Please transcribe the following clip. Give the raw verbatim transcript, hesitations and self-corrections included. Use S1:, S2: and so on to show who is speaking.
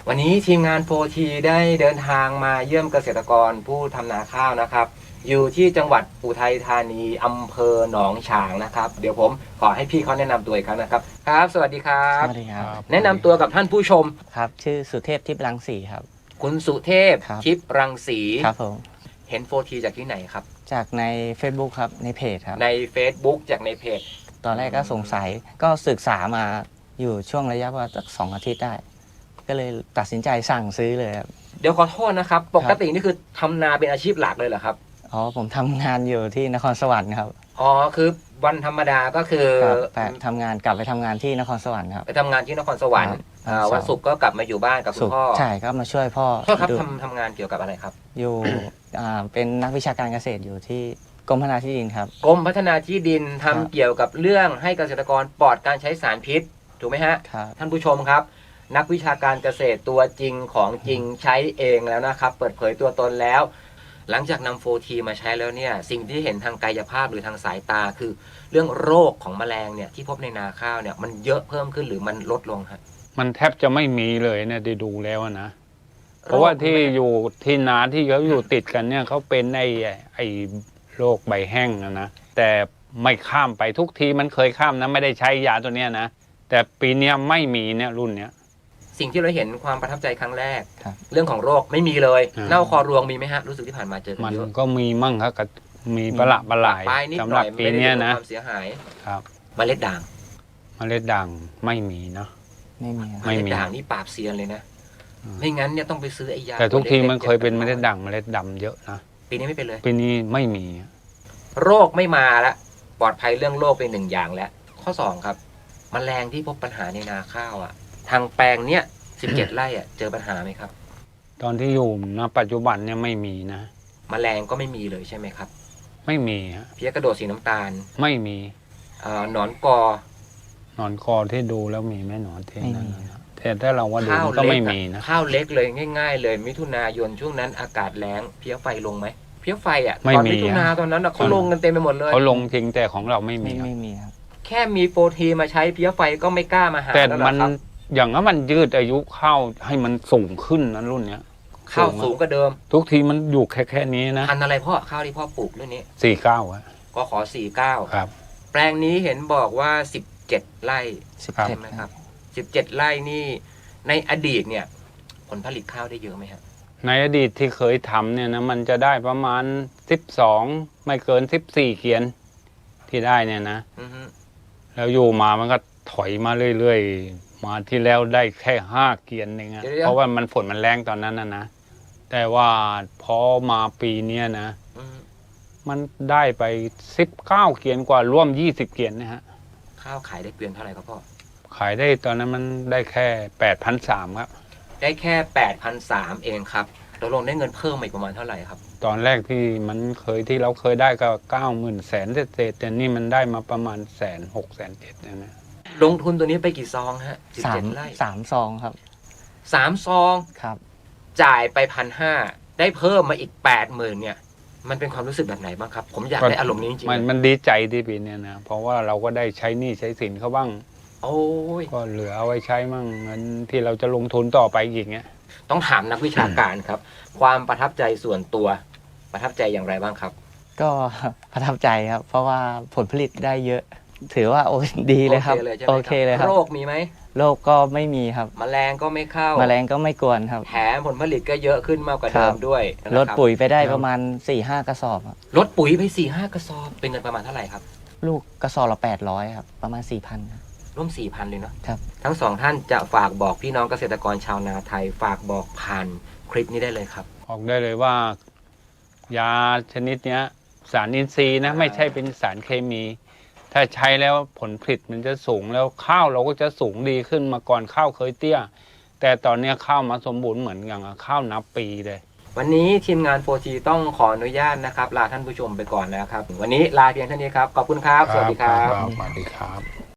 S1: วันนี้ทีมงาน โฟร์ที ได้เดินทางมาเยี่ยมเกษตรกรผู้ทำนาข้าวนะครับอยู่ที่จังหวัดอุทัยธานีอำเภอหนองฉางนะครับเดี๋ยวผมขอให้พี่เขาแนะนำตัวอีกครั้งนะครับครับสวัสดีครับ
S2: สวัสดีครับ
S1: แนะนำตัวกับท่านผู้ชม
S2: ครับชื่อสุเทพทิพย์รังสีครับ
S1: คุณสุเทพทิพย์รังสี
S2: ครับผม
S1: เห็น โฟร์ที จากที่ไหนครับ
S2: จากใน Facebook ครับในเพจครับ
S1: ใน Facebook จากในเพจ
S2: ตอนแรกก็สงสัยก็ศึกษามาอยู่ช่วงระยะว่าสักสองอาทิตย์ได้ก็เลยตัดสินใจสั่งซื้อเลยครับ
S1: เดี๋ยวขอโทษนะครับปกตินี่คือทำนาเป็นอาชีพหลักเลยเหรอครับ
S2: อ๋อผมทำงานอยู่ที่นครสวรรค์ครับ
S1: อ๋อคือวันธรรมดาก็คือ
S2: แต่ทำงานกลับไปทำงานที่นครสวรรค์ครับ
S1: ไปทำงานที่นครสวรรค์วันศุกร์ก็กลับมาอยู่บ้านกับคุณพ่อ
S2: ใช่ก็มาช่วยพ่อ
S1: พ่อครับทำทำงานเกี่ยวกับอะไรครับ
S2: อยู่เป็นนักวิชาการเกษตรอยู่ที่กรมพัฒนาที่ดินครับ
S1: กรมพัฒนาที่ดินทำเกี่ยวกับเรื่องให้เกษตรกรปลอดการใช้สารพิษถูกไหมฮะท่านผู้ชมครับนักวิชาการเกษตรตัวจริงของจริงใช้เองแล้วนะครับเปิดเผยตัวตนแล้วหลังจากนำ โฟร์ที มาใช้แล้วเนี่ยสิ่งที่เห็นทางกายภาพหรือทางสายตาคือเรื่องโรคของแมลงเนี่ยที่พบในนาข้าวเนี่ยมันเยอะเพิ่มขึ้นหรือมันลดลงฮะ
S3: มันแทบจะไม่มีเลยเนี่ยได้ดูแล้วนะเพราะว่าที่อยู่ที่นาที่เขาอยู่ติดกันเนี่ยเขาเป็นไอ้ไอ้โรคใบแห้งนะนะแต่ไม่ข้ามไปทุกทีมันเคยข้ามนะไม่ได้ใช้ยาตัวเนี้ยนะแต่ปีนี้ไม่มีเนี่ยรุ่นเนี้ย
S1: สิ่งที่เราเห็นความประทับใจครั้งแรกเรื่องของโรคไม่มีเลยเน่าคอรวงมีไหมฮะรู้สึกที่ผ่านมาเจอกันเยอะ
S3: มันก็มีมั่งครับก็มีประหลาดประหลายสำหรับปีนี้นะ
S1: ความเสียหาย
S3: ครับ
S1: เมล็ดด่าง
S3: เมล็ดด่างไม่มีเนาะ
S2: ไม่มี
S1: เมล็ดด่างนี่ปราบเซียนเลยนะไม่งั้นเนี่ยต้องไปซื้อไอ้ยา
S3: แต่ทุกทีมันเคยเป็นเมล็ดด่างเมล็ดดำเยอะนะ
S1: ปีนี้ไม่เป็นเลย
S3: ปีนี้ไม่มี
S1: โรคไม่มาละปลอดภัยเรื่องโรคเป็นหนึ่งอย่างแล้วข้อสองครับแมลงที่พบปัญหาในนาข้าวอ่ะทางแปลงเนี้ยสิบเจ็ดไร่อ่ะเจอปัญหาไหมครับ
S3: ตอนที่อยู่ณปัจจุบันเนี่ยไม่มีนะ
S1: แมลงก็ไม่มีเลยใช่ไหมครับ
S3: ไม่มีฮะ
S1: เพี้ยกระโดดสีน้ำตาล
S3: ไม่มี
S1: หนอนกอ
S3: หนอนกอที่ดูแล้วมีไหมหนอนที่นั่นแต่ถ้าเราว่าดูก็ไม่มีนะ
S1: ข้าวเล็กเลยง่ายๆเลยมิถุนายนช่วงนั้นอากาศแล้งเพี้ยไฟลงไหมเพี้ยไฟอ่ะตอนมิถุนาตอนนั้นเขาลงกันเต็มไปหมดเลย
S3: เขาลงจริงแต่ของเราไม่มี
S2: ไม่มีครับ
S1: แค่มีโฟร์ทีมาใช้เพี้ยไฟก็ไม่กล้ามาหา
S3: แต่มันอย่างนั้นมันยืดอายุข้าวให้มันสูงขึ้นนั้นรุ่นเนี้ย
S1: ข้าวสูงกว่าเดิม
S3: ทุกทีมันอยู่แค่แค่นี้นะ
S1: พันอะไรพ่อข้าวที่พ่อปลูกเรื่องนี้
S3: สี่เก้าอะ
S1: ก็ขอสี่เก้า
S3: ครับ
S1: แปลงนี้เห็นบอกว่าสิบเจ็ดไร่ใช่ไหมครับสิบเจ็ดไร่นี่ในอดีตเนี่ยผลผลิตข้าวได้เยอะไหมครับ
S3: ในอดีตที่เคยทำเนี่ยนะมันจะได้ประมาณสิบสองไม่เกินสิบสี่เกียนที่ได้เนี่ยนะแล้วอยู่มามันก็ถอยมาเรื่อยๆมาที่แล้วได้แค่ห้าเกียนเองเพราะว่ามันฝนมันแรงตอนนั้นนะนะแต่ว่าพอมาปีนี้นะมันได้ไปสิบเก้าเกียนกว่าร่วมยี่สิบเกียนนะฮะ
S1: ข้าวขายได้เกวียนเท่าไหร่ครับพ่อ
S3: ขายได้ตอนนั้นมันได้แค่แปดพันสามครับ
S1: ได้แค่แปดพันสามเองครับตกลงได้เงินเพิ่มอีกประมาณเท่าไหร่ครับ
S3: ตอนแรกที่มันเคยที่เราเคยได้ก็เก้าหมื่นแสนเศษแต่นี่มันได้มาประมาณแสนหกแสนเจ็ดนะนะ
S1: ลงทุนตัวนี้ไปกี่ซองฮะ
S2: สิบเจ็ดไร่สามซองครับ
S1: สามซอง
S2: ครับ
S1: จ่ายไปพันห้าได้เพิ่มมาอีกแปดหมื่นเนี่ยมันเป็นความรู้สึกแบบไหนบ้างครับผมอยากได้อารมณ์นี้จริงๆ
S3: มันมันดีใจที่ปีนี้นะเพราะว่าเราก็ได้ใช้หนี้ใช้สินเขาบ้าง
S1: โอ้ย
S3: ก็เหลือเอาไว้ใช้มั่งเงินที่เราจะลงทุนต่อไปอีกเงี้ย
S1: ต้องถามนักวิชาการครับความประทับใจส่วนตัวประทับใจอย่างไรบ้างครับ
S2: ก็ประทับใจครับเพราะว่าผลผลิตได้เยอะถือว่าโอ้ดีเลยครับโอเคเลยครับ
S1: โรคมีไหม
S2: โรคก็ไม่มีครับ
S1: แมลงก็ไม่เข้า
S2: แมลงก็ไม่กวนครับ
S1: แถมผลผลิตก็เยอะขึ้นมากกว่าเดิมด้วย
S2: ลดปุ๋ยไปได้ประมาณ สี่ห้า กระสอบ
S1: ลดปุ๋ยไป สี่ห้า กระสอบเป็นเงินประมาณเท่าไหร่ครับ
S2: ลูกกระสอบละแปดร้อยครับประมาณ สี่พัน ครับ
S1: ร่วม สี่พัน เลยเนาะครับทั้งสองท่านจะฝากบอกพี่น้องเกษตรกรชาวนาไทยฝากบอกผ่านคลิปนี้ได้เลยครับ
S3: บอกได้เลยว่ายาชนิดนี้สารอินทรีย์นะไม่ใช่เป็นสารเคมีถ้าใช้แล้วผลผลิตมันจะสูงแล้วข้าวเราก็จะสูงดีขึ้นมาก่อนข้าวเคยเตี้ยแต่ตอนนี้ข้าวมาสมบูรณ์เหมือนอย่างข้าวนับปีเลย
S1: วันนี้ทีมงาน โฟร์ที ต้องขออนุญาตนะครับลาท่านผู้ชมไปก่อนนะครับวันนี้ลาเพียงเท่านี้ครับขอบคุณครับสวัสดีครับ
S3: สวัสดีครับ